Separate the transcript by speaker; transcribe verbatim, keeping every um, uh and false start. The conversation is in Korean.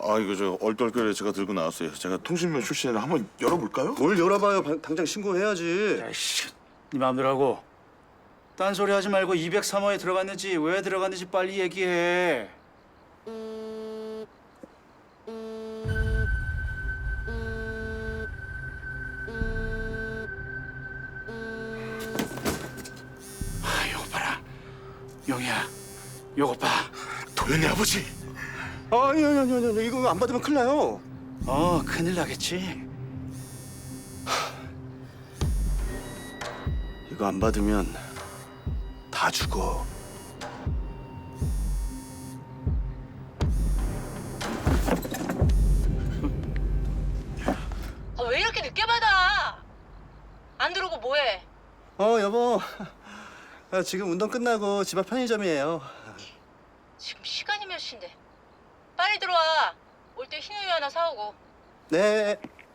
Speaker 1: 아 이거 저 얼떨결에 제가 들고 나왔어요. 제가 통신면 출신이라 한번 열어볼까요?
Speaker 2: 뭘 열어봐요. 방- 당장 신고해야지.
Speaker 3: 야이씨, 네 마음대로 하고. 딴소리 하지 말고 이백삼 호에 들어갔는지 왜 들어갔는지 빨리 얘기해. 아, 요거 봐라. 용이야, 요거 봐.
Speaker 1: 도현이 아버지.
Speaker 2: 아니 아니 아니 아니 이거 안 받으면 큰일 나요.
Speaker 3: 어, 큰일 나겠지.
Speaker 2: 이거 안 받으면 다 죽어.
Speaker 4: 아, 왜 이렇게 늦게 받아? 안 들어오고 뭐해?
Speaker 2: 어 여보. 아, 지금 운동 끝나고 집 앞 편의점이에요.
Speaker 4: 지금 시간이 몇 시인데? 빨리 들어와. 올 때 흰우유 하나 사오고.
Speaker 2: 네.